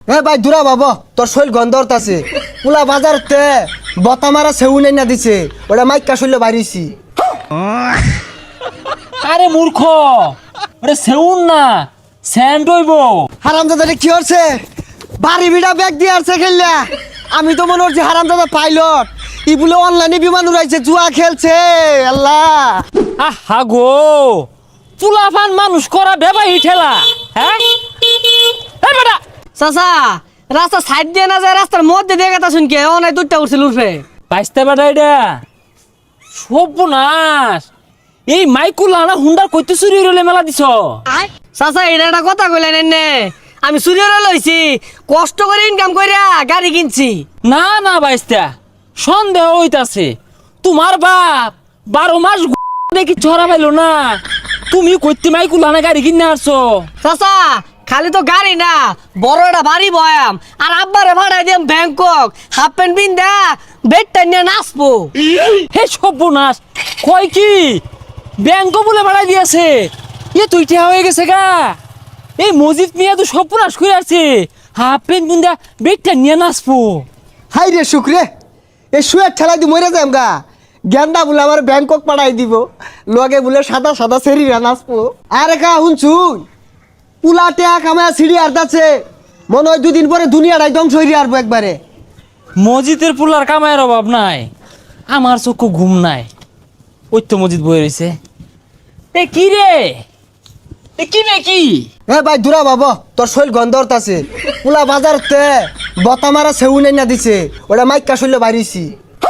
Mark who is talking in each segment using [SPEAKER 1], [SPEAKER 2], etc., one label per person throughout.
[SPEAKER 1] এ ভাই দূরা বাবা তোর শৈল গন্ধরত আছে পুলা বাজারতে বতা মারা সেউ নাই না দিছে ওটা মাইকা শৈল বাইরেছি।
[SPEAKER 2] আরে মূর্খ, ওরে সেউন না স্যান্ড হইব।
[SPEAKER 1] হারামজাদা কি হচ্ছে বাড়ি বিড়া ব্যাগ দিয়ে আসছে খেললা। আমি তো মনে হচ্ছে হারামজাদা পাইলট ই বলে অনলাইনে বিমান উড়াইছে জুয়া খেলছে। আল্লাহ
[SPEAKER 2] আহা গো, পুলাফান মানুষ করা বেবাই ঠেলা। হ্যাঁ এই বেটা
[SPEAKER 3] চাচা রাস্তা সাইড দিয়ে না যায় রাস্তার মধ্যে দিয়ে গেতা শুনকে অনেক দুধটা উঠছিল উঠবে
[SPEAKER 2] বাইসতে বেটা এটা সর্বনাশ। এই মাইকুল আনা হুন্ডার কইতে চুরি হইলে মেলা দিছ।
[SPEAKER 3] চাচা এটা একটা কথা কইলেন এনে আমি চুরিও লইছি কষ্ট করে ইনকাম কইরা গাড়ি কিনছি।
[SPEAKER 2] না না বাইসতা সন্দেহ হইতাছে তোমার বাপ 12 মাস দেখি ছড়া পাইলো না, তুমি কইতে মাইকুল আনা গাড়ি কিনে আসছো।
[SPEAKER 3] চাচা খালি তো গাড়ি না বড় একটা বাড়ি বয়াম আর আব্বারে ভাড়াই দিম ব্যাংকক হাফ প্যান্ট পিন্দা বেডটা নিয়ে নাচবো।
[SPEAKER 2] হে সর্বনাশ, কয় কি ব্যাংক বলে বাড়াই দিয়েছে? এ তুই ঠেয়া হয়ে গেছে গা। এই মসজিদ মিয়া তো সর্বনাশ করে আছে, হাফ প্যান্ট বুন্দা বেগটা নিয়ে নাচবো।
[SPEAKER 1] হাই রে শুক্রে এ শুয়ে ঠেলাই দি মরে যাম গা। গেন্দা বলে আমার ব্যাংকক পাঠাই দিব লগে বলে সাদা সাদা সেরিরা নাচবো। আরে কা শুনছুন পুলা টেয়া কামায় সিঁড়ি আর্দাছে মনে হয় দুদিন পরে দুনিয়াটাই ধ্বংস হইরে আসবো একবারে।
[SPEAKER 2] মসজিদের পুলার কামায়ের অভাব নাই, আমার চক্ষু ঘুম নাই। ওই তো মসজিদ বয়ে রয়েছে। এ কি রে, এ কি রে কি?
[SPEAKER 1] এ ভাই দূরা বাবা তোর শৈল গন্ধরত আছে পুলা বাজারতে বতা মারা সেউ নাই না দিছে ওটা মাইকা শৈল বাইরেছি।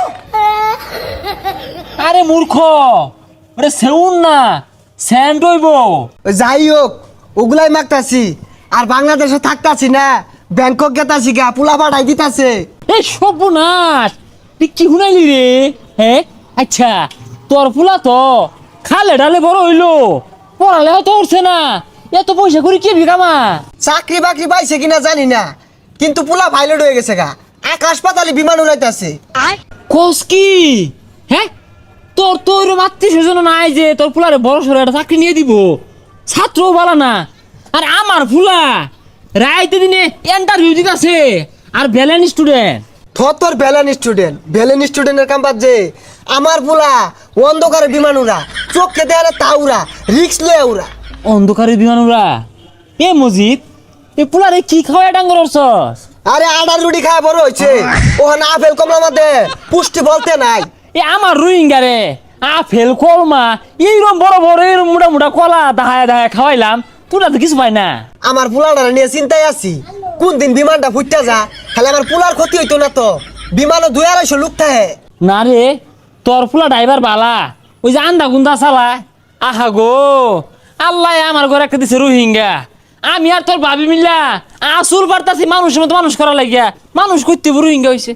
[SPEAKER 2] আরে মূর্খ, ওরে সেউন না স্যান্ড হইব।
[SPEAKER 1] যাই হোক ওগুলাই মাগতাছি আর বাংলাদেশে থাকতাছি না ব্যাংকক গেতাছি গা পুলা পাঠাই দিতাছে।
[SPEAKER 2] এই সর্বনাশ, তুই কি শুনাইলি রে? হ্যাঁ আচ্ছা, তোর ফুলা তো খালে ডালে বড় হইলো, পড়ালে হয়তো উঠছে না, এত পয়সা করে কি বিকামা?
[SPEAKER 1] চাকরি বাকরি পাইছে কিনা জানি না কিন্তু পুলা পাইলট হয়ে গেছে গা, আকাশ পাতালে বিমান উড়াইতাছে।
[SPEAKER 2] কোস কি? হ্যাঁ তোর তো ওইরকম আত্মীয় স্বজন নাই যে তোর ফুলারে বড় সড়ো একটা চাকরি নিয়ে দিব, ছাত্রও বলা না। আর আমার ফুলা রাইতে দিনে ইন্টারভিউ দিতেছে আর ভ্যালেন্ট স্টুডেন্ট।
[SPEAKER 1] তোর ভ্যালেন স্টুডেন্টের কাম যে আমার পুলা অন্ধকারে বিমান উড়া চোখকে দেয়ালে তা উড়া রিক্স লয়ে উড়া।
[SPEAKER 2] অন্ধকারের বিমানুরা এ মজিদ, এ পুলারে কি খাওয়ায় ডাঙ্গর অর্চস?
[SPEAKER 1] আরে আডার রুটি খায় বড় হয়েছে ওখানে আপেল কমলা মধ্যে পুষ্টি বলতে নাই।
[SPEAKER 2] এ আমার রোহিঙ্গা রে আপেল কলমা এইরকম বড় বড় এরকম মোটা মোটা কলা দাহায় দাহায় খাওয়াইলাম, তোরা তো কিছু পাই না।
[SPEAKER 1] আমার পুলাটা নিয়ে চিন্তায় আছি কোন দিন বিমানটা ফুটতে যা, খালি আমার পুলার ক্ষতি হইতো না তো। বিমানও 2-250 লোক থাকে।
[SPEAKER 2] না রে, তোর ফুলা ড্রাইভার বালা, ওই যে আন্দা গুন্দা চালায়। আহা গো, আল্লাহ আমার ঘরে একটা দিছে রোহিঙ্গা, আমি আর তোর ভাবি মিল্লা আসুর পারতাছি মানুষের মতো মানুষ করা লাগিয়া মানুষ করতে রোহিঙ্গা হয়েছে।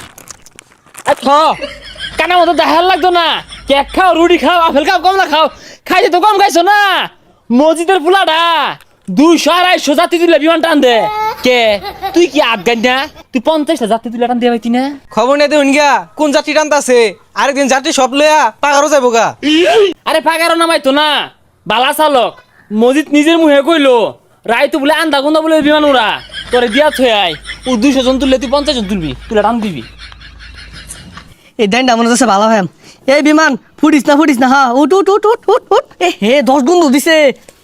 [SPEAKER 2] কানা মতো দেখার লাগতো না, কেক খাও রুটি খাও আপেল খাও কমলা খাও, খাইতে তো কম খাইছো না। মসজিদের ফুলাটা 200-250 যাত্রী তুলে বিমান টান দে। কে তুই কি আফগান না? তুই 50টা যাত্রী তুলে টান দিয়ে পাইতি না?
[SPEAKER 4] খবর নেই দেখুন গা কোন যাত্রী টানতাছে, আরেকদিন যাত্রী সব লইয়া পাগারও যাবো গা।
[SPEAKER 2] আরে পাগারও নামাইতো না, বালা চালক মসজিদ নিজের মুহে কইলো রাইতো বলে আন্দা গুন্দা বলে বিমান উড়া তোরে দিয়া থই আয়। ও 200 জন তুললে তুই 50 জন তুলবি, তুলে টান দিবি।
[SPEAKER 3] এই ডাইনটা মনে হচ্ছে ভালো হয়। এই বিমান ফুটিস না হা উঠ উঠ উঠ উঠ উঠ উঠ। এ হে 10 গুণ দিছে।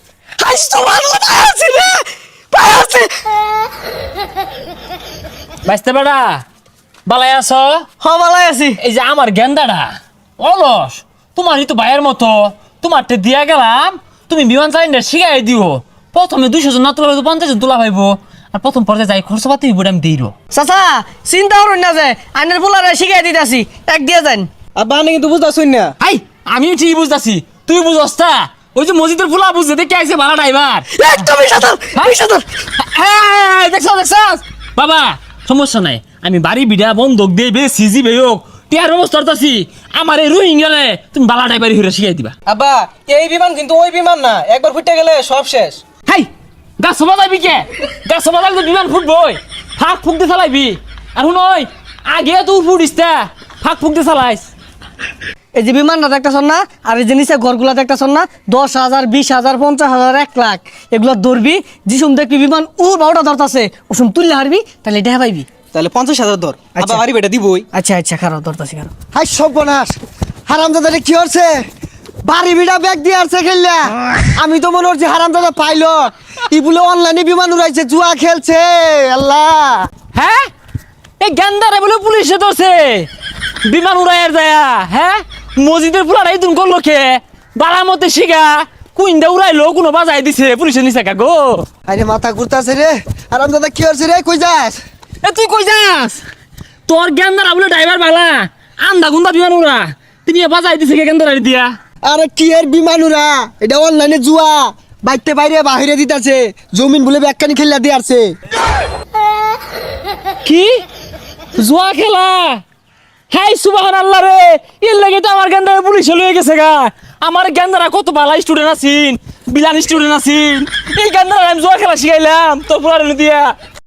[SPEAKER 2] বাইসতে বেড়া বালাই আছ?
[SPEAKER 3] ভালাই আছি।
[SPEAKER 2] এই যে আমার গেন্দাটা অলস, তোমারই তো ভাইয়ের মতো, তোমারটা দিয়া গেলাম, তুমি বিমান চালিনা শিখাই দিও। প্রথমে 200 জন না তোলা 50 জন তোলা পাইবো, আর প্রথম পর্যায়ে যাই খরচ পাতি হইব আমি দিই।
[SPEAKER 3] চাচা চিন্তা করুন না যে আইনের পোলারে শিখাই দিতেছি এক দিয়ে যান।
[SPEAKER 4] আব্বা আমি কিন্তু বুঝতেছুন না।
[SPEAKER 2] আই আমিও ঠিক বুঝতেছি, তুই বুঝস তা? ওই যে মসজিদের ফুলা বুঝতে দেখে আইছে ভাড়া ড্রাইভার। দেখছ বাবা, সমস্যা নাই, আমি বাড়ি বিড়া বন্ধক দিয়ে সিজি বে হোক টিয়ার ব্যবস্থা করতেছি। আমার এই রোহিঙ্গালে তুমি বালা ড্রাইভারি হইরা শিখাই দিবা।
[SPEAKER 4] আব্বা এই বিমান কিন্তু ওই বিমান না, একবার ফুটে গেলে সব শেষ।
[SPEAKER 2] হাই গাছ সবা যাবি কে? গাছ সবা যাবি তো বিমান ফুটবই, ফাঁক ফুক দিয়ে চালাইবি। আর শুন আগে তুই ফুটিস তা ফাঁক ফুক দিয়ে চালাইস।
[SPEAKER 3] এই যে বিমানটা দেখতেছ না আর এই যে নিচে ঘরগুলা দেখতেছ না 10,000 20,000 50,000 1 লাখ এগুলো ধরবি যিসুম দেখবি বিমান বারোটা ধরতাছে ওসুম তুললে হারবি তাহলে এটা পাইবি।
[SPEAKER 4] তাহলে 50,000 ধর
[SPEAKER 3] আচ্ছা।
[SPEAKER 4] আবার বাড়ি বেটা দিবই।
[SPEAKER 3] আচ্ছা খারাপ ধরতাছি খারাপ।
[SPEAKER 1] হাই সর্বনাশ হারামজাদারে কি হচ্ছে বাড়ি বিড়া ব্যাগ দিয়ে আসছে খেললা আমি তো মনে হচ্ছে হারামজাদা পাইলট ই বলে অনলাইনে বিমান উড়াইছে জুয়া খেলছে আল্লাহ।
[SPEAKER 2] হ্যাঁ এই গেন্দারে বলে পুলিশে ধরছে বিমান উড়াইয়ার যায়া। হ্যাঁ মসজিদের পুলার এই তুমি করলো খে বাড়ার মধ্যে শিখা কুইন্দা উড়াইলো কোনো বাজাই দিছে পুলিশের নিচে গো।
[SPEAKER 1] আরে মাথা ঘুরতাছে রে হারামজাদা কি হচ্ছে রে কই যাস?
[SPEAKER 2] এ তুই কই যাস? তোর গেন্দারা বলে ড্রাইভার বালা আন্দা গুন্দা বিমান উড়া তিনি বাজাই দিছে গেন্দারে দিয়া।
[SPEAKER 1] আরে কি এর বিমান উড়া এটা অনলাইনে জুয়া বাইতে বাইরে বাহিরে দিতাছে জমিন বলে ব্যাগখানি খেললা দিয়ে আসছে।
[SPEAKER 2] কি জুয়া খেলা? হাই সুবহানাল্লাহ রে এর লাগে তো আমার গেন্দারে পুলিশ লয়ে গেছে গা। আমার গেন্দারা কত ভালো স্টুডেন্ট আছিন বিলান স্টুডেন্ট আছিন এই গেন্দারা আমি জুয়া খেলা শিখাইলাম তোর পুলারে দিয়া।